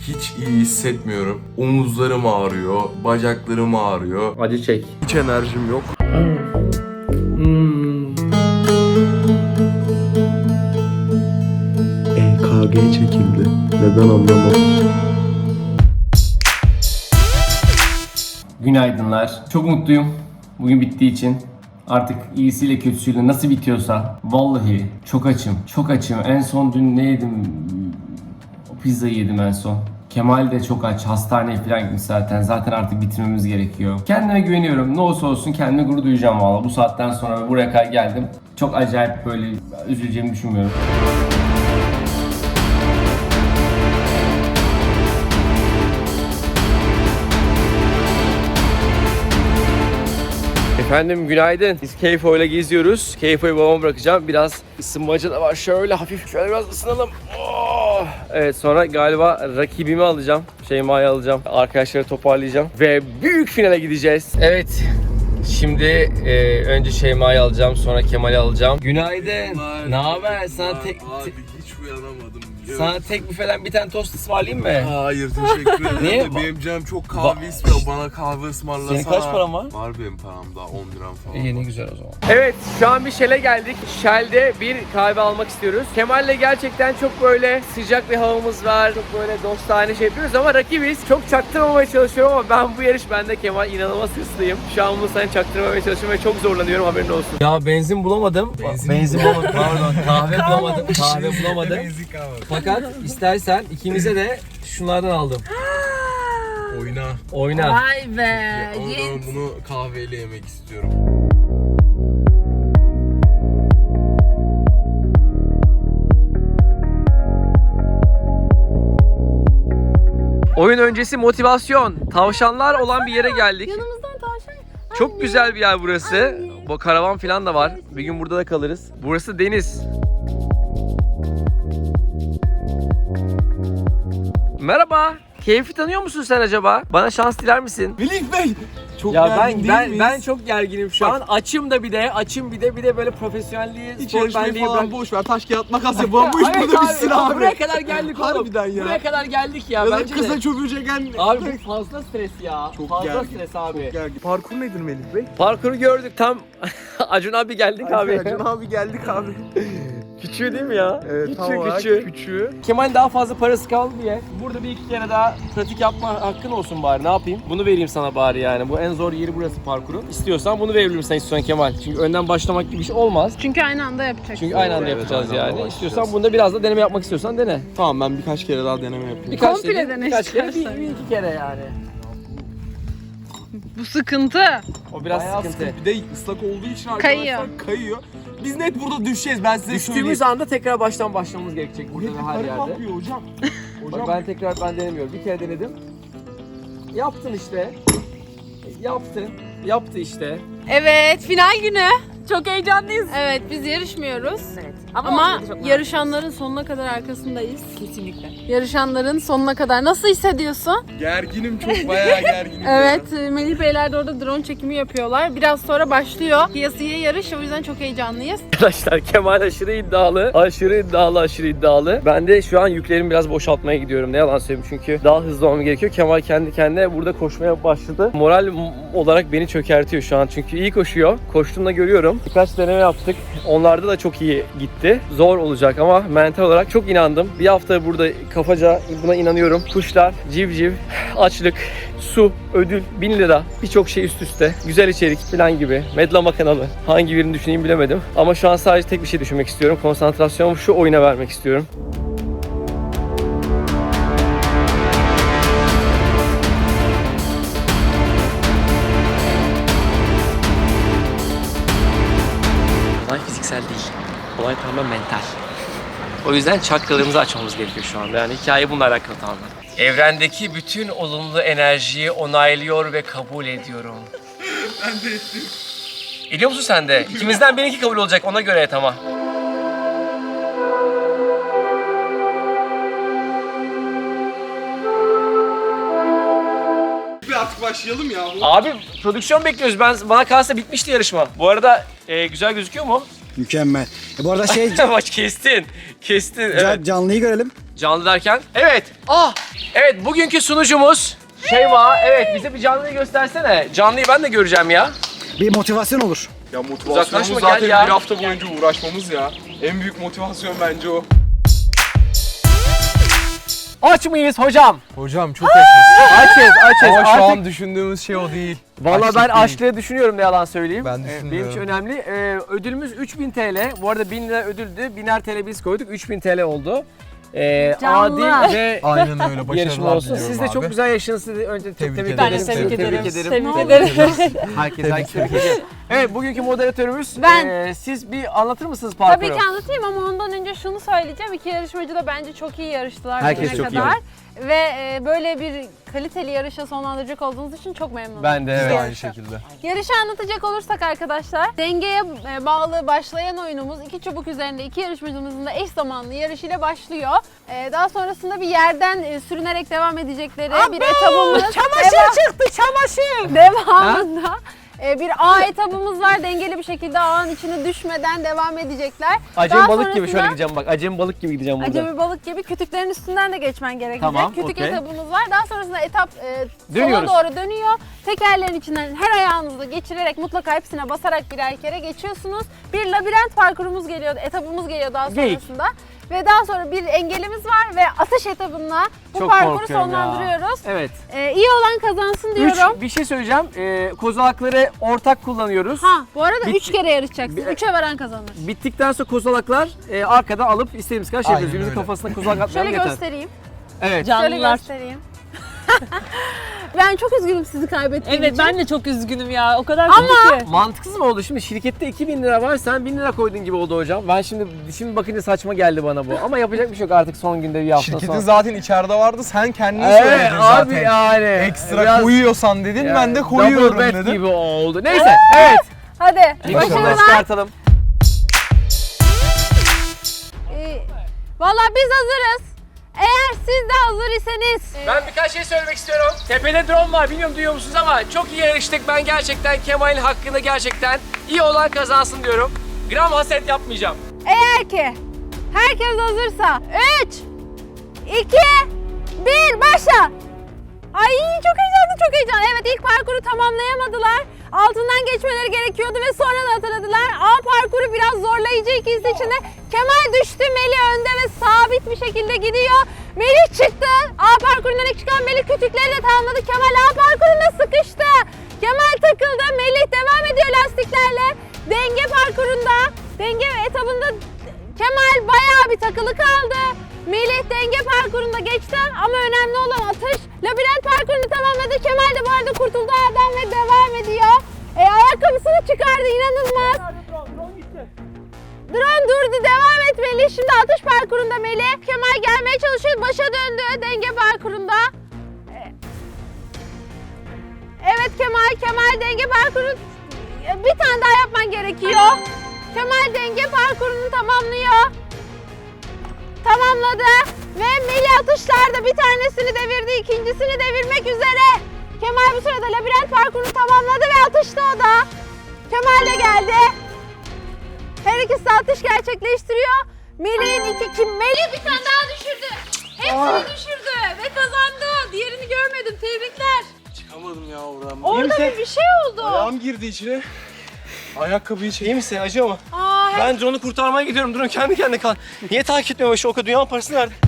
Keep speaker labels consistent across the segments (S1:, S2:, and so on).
S1: hiç iyi hissetmiyorum. Omuzlarım ağrıyor, bacaklarım ağrıyor.
S2: Acı çek.
S1: Hiç enerjim yok.
S3: EKG çekildi. Neden anlamadım.
S2: Günaydınlar. Çok mutluyum. Bugün bittiği için. Artık iyisiyle kötüsüyle nasıl bitiyorsa. Vallahi çok açım. Çok açım. En son dün ne yedim? O pizzayı yedim en son. Kemal de çok aç. Hastaneye falan gitmiş zaten. Zaten artık bitirmemiz gerekiyor. Kendime güveniyorum. Ne olursa olsun kendime gurur duyacağım valla. Bu saatten sonra buraya kadar geldim. Çok acayip böyle üzüleceğimi düşünmüyorum. Efendim günaydın. Biz Keyfo ile geziyoruz. Keyfo'yu babama bırakacağım. Biraz ısınmacı da var. Şöyle hafif şöyle biraz ısınalım. Oh! Evet sonra galiba rakibimi alacağım. Şeyma'yı alacağım. Arkadaşları toparlayacağım. Ve büyük finale gideceğiz. Evet. Şimdi önce Şeyma'yı alacağım. Sonra Kemal'i alacağım. Günaydın. Ne haber? Sana tek...
S1: Abi hiç uyanamadım.
S2: Sana tek büfeden bir tane tost ısmarlayayım mı?
S1: Hayır teşekkür ederim.
S2: Niye?
S1: Benim canım çok kahve istiyor. Bana kahve ısmarlasana.
S2: Senin kaç paran var?
S1: Var benim param daha 10 liram falan.
S2: İyi ne güzel o zaman. Evet şu an bir Shell'e geldik. Shell'de bir kahve almak istiyoruz. Kemal'le gerçekten çok böyle sıcak bir havamız var. Çok böyle dostane şey yapıyoruz ama rakibiz. Çok çaktırmamaya çalışıyorum ama ben bu yarış bende Kemal inanılmaz hırslıyım. Şu an bunu sana çaktırmamaya çalışıyorum ve çok zorlanıyorum haberin olsun. Ya benzin bulamadım. Benzin bulamadım pardon. Kahve bulamadım. Kahve bulamadım. Fakat istersen ikimize de şunlardan aldım.
S1: Oyna.
S2: Oyna.
S4: Vay be.
S1: Ama ben bunu kahveyle yemek istiyorum.
S2: Oyun öncesi motivasyon. Tavşanlar olan bir yere geldik.
S4: Yanımızdan tavşan.
S2: Çok güzel bir yer burası. Bu karavan falan da var. Bir gün burada da kalırız. Burası deniz. Merhaba. Keyfi tanıyor musun sen acaba? Bana şans diler misin?
S3: Melih Bey! Çok
S2: Ya
S3: gergin değil miyiz?
S2: ben çok gerginim şu an. Açım da bir de böyle profesyonelliği,
S3: Hiç
S2: spor
S3: yarışmayı
S2: benliği
S3: falan
S2: bırak.
S3: boş ver. Taş kağıt makas yapalım. Bu iş
S2: Evet
S3: burada bitsin abi.
S2: Buraya kadar geldik oğlum.
S3: Harbiden ya.
S2: Buraya kadar geldik ya.
S3: Ya da
S2: Bence
S3: kısa
S2: de.
S3: çocuğu çeken...
S2: Abi bu fazla stres ya.
S3: Çok
S2: fazla
S3: gergin.
S2: stres abi.
S3: Çok gergin. Parkur nedir Melih Bey?
S2: Parkuru gördük tam. Acun abi geldik abi.
S3: Can abi geldik abi.
S2: Küçüğü değil mi ya?
S3: Evet, tam olarak küçüğü.
S2: Kemal daha fazla parası kaldı diye burada bir iki kere daha pratik yapma hakkın olsun bari, ne yapayım? Bunu vereyim sana bari yani. Bu en zor yeri burası parkurun. İstiyorsan bunu verebilirim sen istiyorsan Kemal. Çünkü önden başlamak gibi bir şey olmaz.
S4: Çünkü aynı anda yapacaksın.
S2: Çünkü aynı anda
S3: Evet,
S2: yapacağız
S3: aynı anda
S2: yani.
S3: başlayacağız.
S2: İstiyorsan bunda biraz da deneme yapmak istiyorsan dene.
S3: Tamam ben birkaç kere daha deneme yapayım.
S2: Birkaç
S4: Komple
S2: değil,
S4: dene
S2: birkaç kere,
S4: istersen.
S2: bir iki kere yani.
S4: Bu sıkıntı.
S2: O biraz
S3: Bayağı
S2: sıkıntı.
S3: Bir de ıslak olduğu için arkadaşlar kayıyor. Biz net burada düşeceğiz ben size
S2: Düştüğümüz
S3: söyleyeyim.
S2: anda tekrar baştan başlamamız gerekecek burada ve her
S3: Yukarı
S2: yerde.
S3: kalkıyor hocam.
S2: Bak ben denemiyorum. Bir kere denedim. Yaptın işte. Yaptın. Yaptı işte.
S4: Evet, final günü. Çok heyecanlıyız. Evet, biz yarışmıyoruz. Evet. Ama yarışanların sonuna kadar arkasındayız. Kesinlikle. Yarışanların sonuna kadar. Nasıl hissediyorsun?
S3: Gerginim çok bayağı gerginim.
S4: Evet, Melih Beyler de orada drone çekimi yapıyorlar. Biraz sonra başlıyor. Kıyasıya yarış, o yüzden çok heyecanlıyız.
S2: Arkadaşlar Kemal aşırı iddialı. Aşırı iddialı. Ben de şu an yüklerimi biraz boşaltmaya gidiyorum. Ne yalan söyleyeyim çünkü daha hızlı olmam gerekiyor. Kemal kendi kendine burada koşmaya başladı. Moral olarak beni çökertiyor şu an. Çünkü iyi koşuyor. Koştuğumda görüyorum. Birkaç deneme yaptık. Onlarda da çok iyi gitti. Zor olacak ama mental olarak çok inandım. Bir hafta burada kafaca buna inanıyorum. Kuşlar, civciv, açlık, su, ödül, 1000 lira. Birçok şey üst üste. Güzel içerik falan gibi. Medlama kanalı. Hangi birini düşüneyim bilemedim. Ama şu an sadece tek bir şey düşünmek istiyorum. Konsantrasyonumu şu oyuna vermek istiyorum. Olay fiziksel değil. Olay tamamen mental. O yüzden çakralarımızı açmamız gerekiyor şu anda. Yani hikaye bununla alakalı tamamen. Evrendeki bütün olumlu enerjiyi onaylıyor ve kabul ediyorum.
S1: Ben de ettim.
S2: Ediyor musun sen de? İkimizden birinki kabul olacak, ona göre et ama.
S3: Artık başlayalım ya.
S2: Abi prodüksiyon bekliyoruz. Bana kalsa bitmişti yarışma. Bu arada güzel gözüküyor mu?
S5: Mükemmel. Bu arada şey
S2: Maç kestin. Evet.
S5: canlıyı görelim.
S2: Canlı derken? Evet. Evet, bugünkü sunucumuz Şeyma. Evet, bize bir canlıyı göstersene. Canlıyı ben de göreceğim ya.
S5: Bir motivasyon olur.
S3: Ya
S2: Uzaklaşma,
S3: motivasyonumuz
S2: gel
S3: zaten
S2: ya.
S3: bir hafta boyunca uğraşmamız ya. En büyük motivasyon bence o.
S2: Aç mıyız hocam?
S1: Hocam çok açız.
S2: Açız.
S1: Ama şu
S2: Artık
S1: an düşündüğümüz şey o değil.
S2: Valla
S1: Açlık
S2: ben
S1: değil.
S2: açlığı düşünüyorum, ne yalan söyleyeyim.
S1: Ben
S2: Benim
S1: düşünmüyorum.
S2: için önemli. Ödülümüz 3000 TL. Bu arada 1000 lira ödüldü. 1000'er TL biz koyduk. 3000 TL oldu.
S4: Canlı.
S2: Adil ve
S1: Aynen öyle.
S2: yarışma
S1: Başarılar
S2: olsun.
S1: diliyorum
S2: Siz de
S1: abi.
S2: çok güzel yaşadınız. Sizi önce çok
S1: Tebrik
S2: tebrik
S1: ederim.
S2: ederim.
S1: Ben de tebrik
S2: Tebrik
S1: ederim.
S2: ederim. Herkes tebrik ederim. Evet, bugünkü moderatörümüz.
S4: Ben.
S2: Siz bir anlatır mısınız parkuru?
S4: Tabii ki anlatayım ama ondan önce şunu söyleyeceğim. İki yarışmacı da bence çok iyi yarıştılar
S2: Herkes
S4: bugüne
S2: çok iyi
S4: kadar. Ve böyle bir kaliteli yarışa sonlandıracak olduğunuz için çok memnunum.
S2: Ben de
S1: Biz
S2: evet.
S1: de aynı şekilde.
S4: Yarışı anlatacak olursak arkadaşlar, dengeye bağlı başlayan oyunumuz iki çubuk üzerinde iki yarışmacımızın da eş zamanlı yarışıyla başlıyor. Daha sonrasında bir yerden sürünerek devam edecekleri bir etabımız.
S6: çıktı çamaşır.
S4: Devamında bir A etabımız var. Dengeli bir şekilde ağın içine düşmeden devam edecekler.
S2: Acemi
S4: Daha
S2: balık gibi şöyle
S4: sonrasında-
S2: gideceğim bak. Acemi balık gibi gideceğim burada.
S4: Acemi balık gibi kütüklerin üstünden de geçmen gerekecek.
S2: Tamam,
S4: Kütük
S2: okey.
S4: etabımız var. Daha sonrasında etap
S2: Dönüyoruz.
S4: sola doğru dönüyor. Tekerlerin içinden her ayağınızı geçirerek mutlaka hepsine basarak birer kere geçiyorsunuz. Bir labirent parkurumuz geliyor, etabımız geliyor daha
S2: Geyik.
S4: sonrasında. Ve daha sonra bir engelimiz var ve atış etabında bu
S2: Çok
S4: parkuru
S2: korkuyorum ya.
S4: sonlandırıyoruz.
S2: Evet.
S4: İyi olan kazansın diyorum.
S2: Bir şey söyleyeceğim. Kozalakları ortak kullanıyoruz.
S4: Bu arada
S2: Bit-
S4: 3 kere yarışacaksın. 3'e varan kazanır.
S2: Bittikten sonra kozalaklar arkada alıp istediğimiz kadar şey
S1: Aynen
S2: yapıyoruz. Birimizin
S1: öyle.
S2: kafasına kozalak atmayalım
S4: Şöyle
S2: yeter.
S4: göstereyim.
S2: Evet.
S4: Şöyle
S6: Canlılar.
S4: göstereyim. Ben çok üzgünüm sizi kaybettiğim
S6: Evet
S4: için.
S6: ben de çok üzgünüm ya. O kadar
S4: Ama-
S6: kötü ki.
S2: Mantıksız mı oldu? Şimdi şirkette 2000 lira var, sen 1000 lira koydun gibi oldu hocam. Ben şimdi bakınca saçma geldi bana bu. Ama yapacak bir şey yok artık, son günde bir hafta
S1: Şirketin
S2: sonra.
S1: zaten içeride vardı. Sen kendin
S2: Evet
S1: söyledin
S2: abi
S1: zaten.
S2: yani.
S1: Ekstra
S2: Biraz-
S1: koyuyorsan dedin,
S2: yani
S1: ben de koyuyorum
S2: double bet
S1: dedim.
S2: gibi oldu. Neyse, evet.
S4: Hadi
S2: Mikrofonu
S4: başarılar.
S2: çıkartalım.
S4: Valla biz hazırız. Eğer siz de hazır iseniz.
S2: Ben birkaç şey söylemek istiyorum. Tepede drone var, bilmiyorum duyuyor musunuz ama çok iyi yarıştık. Ben gerçekten Kemal'in hakkında gerçekten iyi olan kazansın diyorum. Gram haset yapmayacağım.
S4: Eğer ki herkes hazırsa 3, 2, 1 başla. Ay çok heyecanlı. Evet, ilk parkuru tamamlayamadılar. Altından geçmeleri gerekiyordu ve sonra da hatırladılar. A parkuru biraz zorlayıcı ikisi içinde. Kemal düştü, Melih önde ve sabit bir şekilde gidiyor. Melih çıktı. A parkurundan ilk çıkan Melih kütükleri de tamamladı. Kemal A parkurunda sıkıştı. Kemal takıldı. Melih devam ediyor lastiklerle. Denge parkurunda, denge etabında Kemal bayağı bir takılı kaldı. Melih denge parkurunda geçti ama önemli olan atış. Labirent parkurunu tamamladı. Kemal de bu arada kurtuldu ağdan ve devam ediyor. Ayakkabısını çıkardı, inanılmaz. Drone durdu, devam et Melih. Şimdi atış parkurunda Melih. Kemal gelmeye çalışıyor, başa döndü denge parkurunda. Evet Kemal denge parkuru bir tane daha yapman gerekiyor. Kemal denge parkurunu tamamlıyor. Tamamladı ve Melih atışlarda bir tanesini devirdi, ikincisini devirmek üzere. Kemal bu sırada labirent parkurunu tamamladı ve atıştı o da. Kemal de geldi. Her ikisi de atış gerçekleştiriyor. Melih bir tane daha düşürdü. Hepsini düşürdü ve kazandı. Diğerini görmedim. Tebrikler.
S3: Çıkamadım ya oradan.
S4: Orada bir şey oldu.
S3: Ayağım girdi içine. Ayakkabıyı çek.
S2: İyi misin? Acıyor mu?
S4: Aa,
S2: Ben drone'u kurtarmaya gidiyorum. Drone kendi kendine kal. Niye takip etmiyor? Şu o dünyanın parası nerede?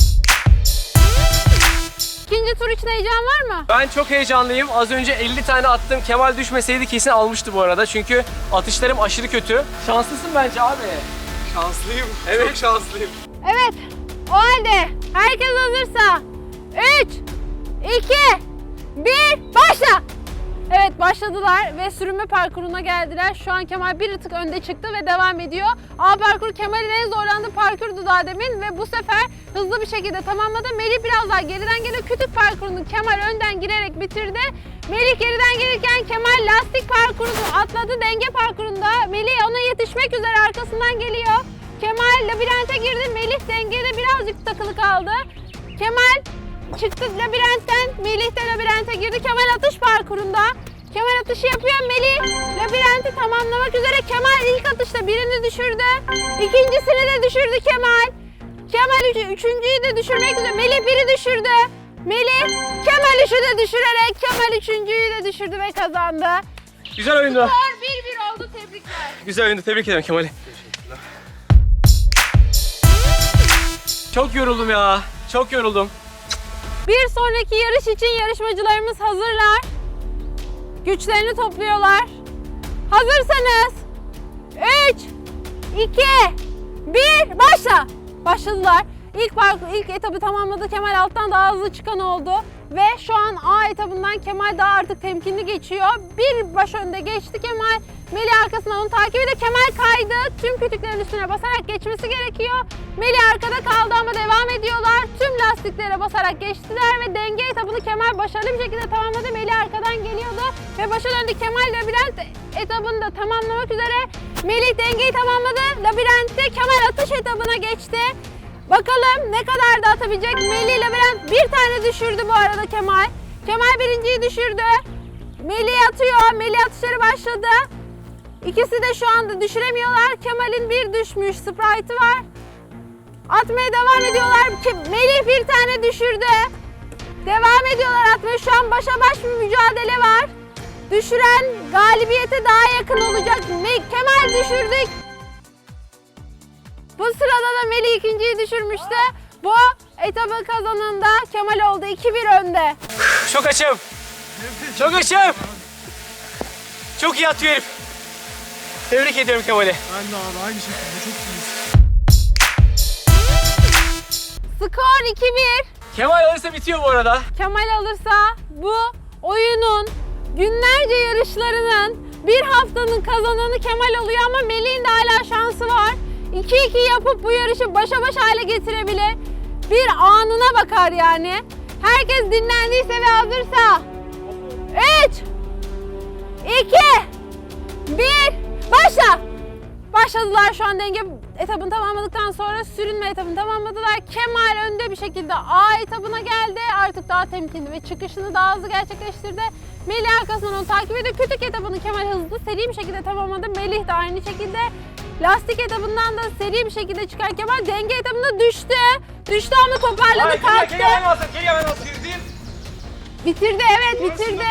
S4: İkinci tur için heyecan var mı?
S2: Ben çok heyecanlıyım. Az önce 50 tane attım. Kemal düşmeseydi kesin almıştı bu arada. Çünkü atışlarım aşırı kötü. Şanslısın bence abi.
S3: Şanslıyım.
S2: Evet.
S3: Çok şanslıyım.
S4: Evet. O halde herkes hazırsa 3, 2, 1 başla. Evet başladılar ve sürünme parkuruna geldiler. Şu an Kemal bir tık önde çıktı ve devam ediyor. A parkuru Kemal'in en zorlandığı parkurdu daha demin ve bu sefer hızlı bir şekilde tamamladı. Melih biraz daha geriden geliyor. Kütük parkurunu Kemal önden girerek bitirdi. Melih geriden gelirken Kemal lastik parkurunu atladı denge parkurunda. Melih ona yetişmek üzere arkasından geliyor. Kemal labirente girdi. Melih dengede birazcık takılı kaldı. Kemal çıktı labirentten, Melih de labirente girdi. Kemal atış parkurunda. Kemal atışı yapıyor. Melih labirenti tamamlamak üzere. Kemal ilk atışta birini düşürdü. İkincisini de düşürdü Kemal. Kemal üçüncüyü de düşürmek üzere. Melih biri düşürdü. Melih Kemal üçü de düşürerek Kemal üçüncüyü de düşürdü ve kazandı.
S2: Güzel oyundu.
S4: Skor 1-1 oldu, tebrikler.
S2: Güzel oyundu. Tebrik ederim Kemal'i. Çok yoruldum ya. Çok yoruldum.
S4: Bir sonraki yarış için yarışmacılarımız hazırlar. Güçlerini topluyorlar. Hazırsanız 3, 2, 1, başla. Başladılar. İlk etabı tamamladı. Kemal alttan daha hızlı çıkan oldu. Ve şu an A etabından Kemal daha artık temkinli geçiyor. Bir baş önde geçti Kemal. Melih arkasından onu takip ediyor. Kemal kaydı. Tüm kütüklerin üstüne basarak geçmesi gerekiyor. Melih arkada kaldı ama devam ediyorlar. Tüm lastiklere basarak geçtiler ve denge etabını Kemal başarılı bir şekilde tamamladı. Melih arkadan geliyordu ve başa döndü. Kemal labirent etabını da tamamlamak üzere. Melih dengeyi tamamladı. Labirentte Kemal atış etabına geçti. Bakalım ne kadar da atabilecek. Melih labirent bir tane düşürdü bu arada Kemal. Kemal birinciyi düşürdü. Melih atıyor. Melih atışları başladı. İkisi de şu anda düşüremiyorlar. Kemal'in bir düşmüş Sprite'ı var. Atmaya devam ediyorlar. Melih bir tane düşürdü. Devam ediyorlar atmaya. Şu an başa baş bir mücadele var. Düşüren galibiyete daha yakın olacak. Kemal düşürdük. Bu sırada da Melih ikinciyi düşürmüştü. Bu etabı kazanan da Kemal oldu. 2-1 önde.
S2: Çok açım. Çok açım. Çok iyi atıyor herif. Tebrik ediyorum Kemal'i.
S3: Ben de abi aynı şekilde çok iyiyiz.
S4: Skor 2-1.
S2: Kemal alırsa bitiyor bu arada.
S4: Kemal alırsa bu oyunun günlerce yarışlarının bir haftanın kazananı Kemal oluyor ama Melih'in de hala şansı var. 2-2 yapıp bu yarışı başa baş hale getirebilir. Bir anına bakar yani. Herkes dinlendiyse ve hazırsa 3, 2, 1, başla! Başladılar şu an denge etabını tamamladıktan sonra sürünme etabını tamamladılar. Kemal önde bir şekilde A etabına geldi. Artık daha temkinli ve çıkışını daha hızlı gerçekleştirdi. Melih arkasından onu takip ediyor. Kütük etabını Kemal hızlı seri bir şekilde tamamladı. Melih de aynı şekilde. Lastik etabından da seri bir şekilde çıkan Kemal denge etabında düştü. Düştü ama toparladı, kalktı. Bitirdi, evet bitirdi.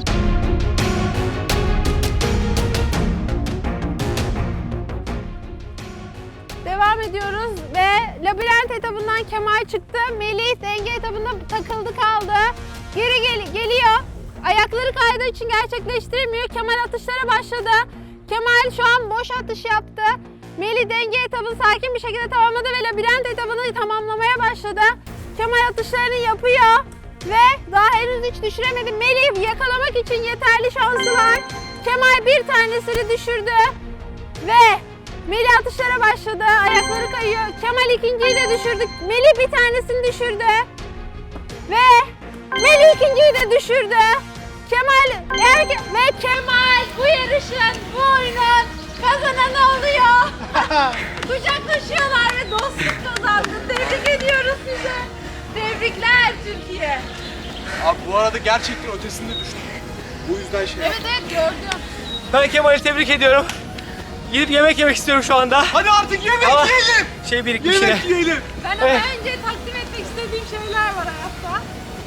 S4: Devam ediyoruz ve labirent etabından Kemal çıktı. Melih denge etabında takıldı kaldı. Geri geliyor. Ayakları kaydığı için gerçekleştiremiyor. Kemal atışlara başladı. Kemal şu an boş atış yaptı. Melih denge etabını sakin bir şekilde tamamladı ve labirent etabını tamamlamaya başladı. Kemal atışlarını yapıyor ve daha henüz hiç düşüremedi. Melih yakalamak için yeterli şansı var. Kemal bir tanesini düşürdü ve Melih atışlara başladı. Ayakları kayıyor. Kemal ikinciyi de düşürdü. Melih bir tanesini düşürdü. Ve Melih ikinciyi de düşürdü. Ve Kemal bu yarışın, bu oyunun kazananı oluyor. Kucaklaşıyorlar ve dostluk kazandı. Tebrik ediyoruz sizi. Tebrikler Türkiye.
S3: Abi bu arada gerçekten ötesinde düştüm. Bu yüzden şey
S4: Evet evet gördüm.
S2: Ben Kemal'i tebrik ediyorum. Gidip yemek yemek istiyorum şu anda.
S3: Hadi artık yemek
S2: Ama
S3: yiyelim.
S2: şey birikmiş yine.
S3: Yemek yiyelim.
S4: Ben ama önce takdim etmek istediğim şeyler var hayatta.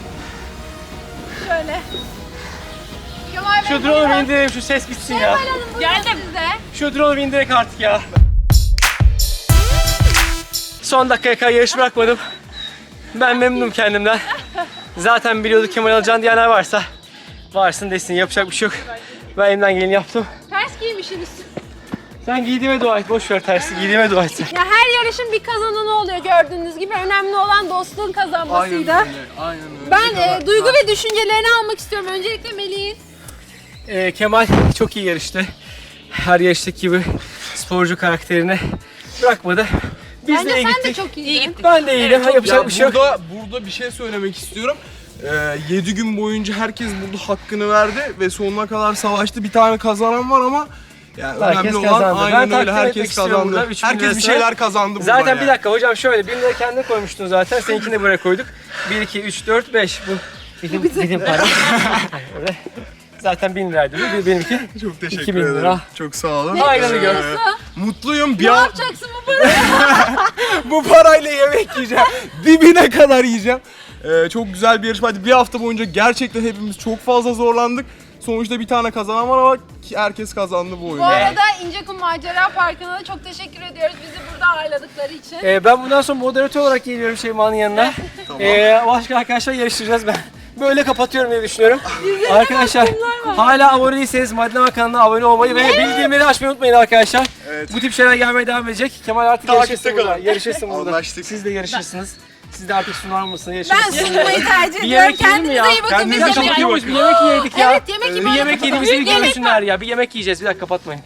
S4: Şöyle. Kemal Bey,
S2: Şu drone'u
S4: buyurun.
S2: indirelim, şu ses bitsin ya.
S4: Kemal Hanım buyurun size.
S2: Şu drone'u indirek artık ya. Son dakikaya kadar yarış bırakmadım. Ben memnunum kendimden. Zaten biliyorduk Kemal alacağını diyenler varsa varsın desin, yapacak bir şey yok. Ben elimden geleni yaptım.
S4: Ters giymişsiniz.
S2: Sen giydiğime dua et, boş ver tersi, giydiğime dua et sen.
S4: Ya her yarışın bir kazananı oluyor gördüğünüz gibi. Önemli olan dostluğun kazanmasıydı.
S3: Aynen öyle.
S4: Ben duygu ve düşüncelerini almak istiyorum. Öncelikle Melih'in.
S2: Kemal çok iyi yarıştı. Her yarıştaki gibi sporcu karakterini bırakmadı. Biz
S4: Bence
S2: de iyi
S4: sen
S2: gittik.
S4: de çok iyiydin.
S2: Ben de iyiydim. Yapacak bir şey yok.
S3: Burada bir şey söylemek istiyorum. 7 gün boyunca herkes burada hakkını verdi ve sonuna kadar savaştı. Bir tane kazanan var ama yani
S2: Herkes
S3: önemli olan
S2: kazandı.
S3: aynen
S2: Ben
S3: öyle,
S2: takdim etmek
S3: herkes
S2: istiyorum burada,
S3: kazandı.
S2: 3000
S3: Herkes bir
S2: lirası.
S3: şeyler kazandı burada.
S2: Zaten
S3: yani.
S2: bir dakika hocam şöyle 1000 lira kendine koymuştun zaten. Seninkini de buraya koyduk. 1, 2, 3, 4, 5. Bu bizim para. Öyle. Zaten 1000 liraydı bu. Benimki
S3: Çok teşekkür
S2: 2000
S3: ederim.
S2: lira.
S3: Çok sağ olun.
S2: Ayranı gör.
S3: Mutluyum.
S4: Ne yapacaksın bu
S3: Bu parayla yemek yiyeceğim. Dibine kadar yiyeceğim. Çok güzel bir yarışmaydı. Bir hafta boyunca gerçekten hepimiz çok fazla zorlandık. Sonuçta bir tane kazanan var ama herkes kazandı bu oyunu.
S4: Bu arada İncekum Macera Parkı'na da çok teşekkür ediyoruz bizi burada ağırladıkları için.
S2: Ben bundan sonra moderatör olarak geliyorum Şeyma'nın yanına. Başka arkadaşlar yarıştıracağız ben. Böyle kapatıyorum diye düşünüyorum. Arkadaşlar hala abone değilseniz Madlama kanalına abone olmayı ve bildirimleri açmayı unutmayın arkadaşlar.
S3: Evet.
S2: Bu tip şeyler gelmeye devam edecek. Kemal artık
S3: Takipte
S2: yarışırsın burada.
S3: kalın.
S2: Yarışırsın burada.
S3: Anlaştık.
S2: Siz de yarışırsınız. Siz de artık sunar mısınız?
S4: Ben
S2: Yarışırsınız.
S4: sunmayı tercih
S2: Bir
S4: ediyorum.
S2: yemek yiyelim mi
S4: Kendinize
S2: ya?
S4: iyi bakın.
S3: Kendinize
S4: Biz
S3: çok iyi
S4: yemek
S3: bakın.
S2: Bir yemek yedik ya.
S4: Evet yemek
S2: Bir
S4: yemek
S2: yemek yediğimizi bir
S4: Yemek
S2: görsünler ya. Bir yemek yiyeceğiz. Bir dakika kapatmayın.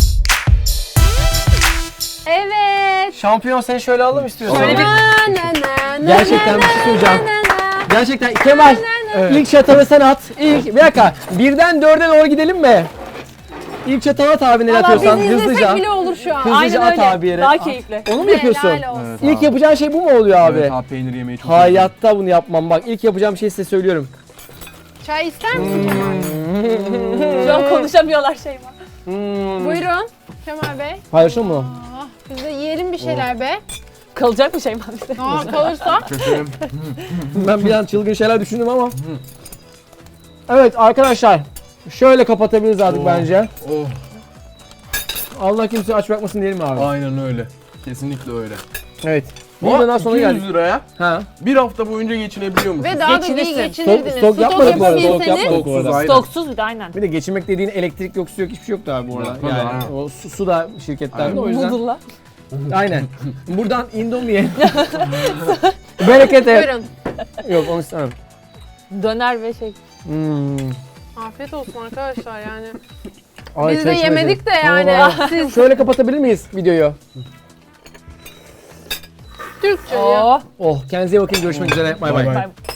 S4: Evet.
S2: Şampiyon seni şöyle alalım istiyorsan.
S6: Şöyle bir-
S2: Gerçekten bir şey söyleyeceğim. Gerçekten Kemal ilk çatalı sen at. Bir dakika. Birden dörde doğru gidelim mi? İlk çatalı at abi, nereye
S4: Valla
S2: atıyorsan
S4: bizi izlesek
S2: hızlıca.
S4: bile olur şu an.
S2: Hızlıca
S6: Aynen
S2: at
S6: öyle.
S2: abi yere.
S6: Daha
S2: At.
S6: keyifli.
S2: Onu mu yapıyorsun?
S4: Helal olsun.
S2: İlk yapacağın şey bu mu oluyor abi?
S3: Evet abi, peynir yemeyi çok
S2: Hayatta bunu yapmam bak. İlk yapacağım şeyi size söylüyorum.
S4: Çay ister misin Kemal?
S6: Şu an konuşamıyorlar Şeyma.
S4: Buyurun Kemal Bey.
S2: Paylaşın mı?
S4: Ah, biz de yiyelim bir şeyler be.
S6: Kalacak mı Şeyma bizde?
S4: Aa, kalırsa.
S2: Ben bir an çılgın şeyler düşündüm ama. Evet arkadaşlar. Şöyle kapatabiliriz artık bence.
S3: Oh,
S2: Allah kimseyi aç bırakmasın diyelim abi.
S3: aynen öyle. Kesinlikle öyle.
S2: Evet. Buradan sonra
S3: 200
S2: geldik.
S3: liraya
S2: Ha.
S3: bir hafta boyunca geçinebiliyor musun?
S4: Ve daha da iyi
S6: Geçinirsin.
S4: geçinirdiniz.
S2: Stok yapmadık bu arada. Stok
S4: yapabilseniz-
S2: yapmadık bu arada.
S3: Aynen.
S6: Stoksuz bir de aynen.
S2: Bir de geçinmek dediğin elektrik yok, su yok, hiçbir şey yoktu abi bu arada.
S3: Tabii,
S2: Yani
S3: aynen.
S2: o su da şirketten de o yüzden.
S6: Noodle'la.
S2: Aynen. Buradan Indomie. Bereket et.
S4: Buyurun.
S2: Yok onu istemem.
S6: Döner ve şey.
S4: Afiyet olsun arkadaşlar yani.
S2: Ay,
S4: Biz de
S2: çeşmedi.
S4: yemedik de yani.
S2: Tamam.
S4: Siz
S2: Şöyle kapatabilir miyiz videoyu?
S4: Türkçe ya.
S6: Oh.
S2: Oh, kendinize iyi bakın. Görüşmek üzere. Bay bay.
S3: Bay bay.
S6: Bay.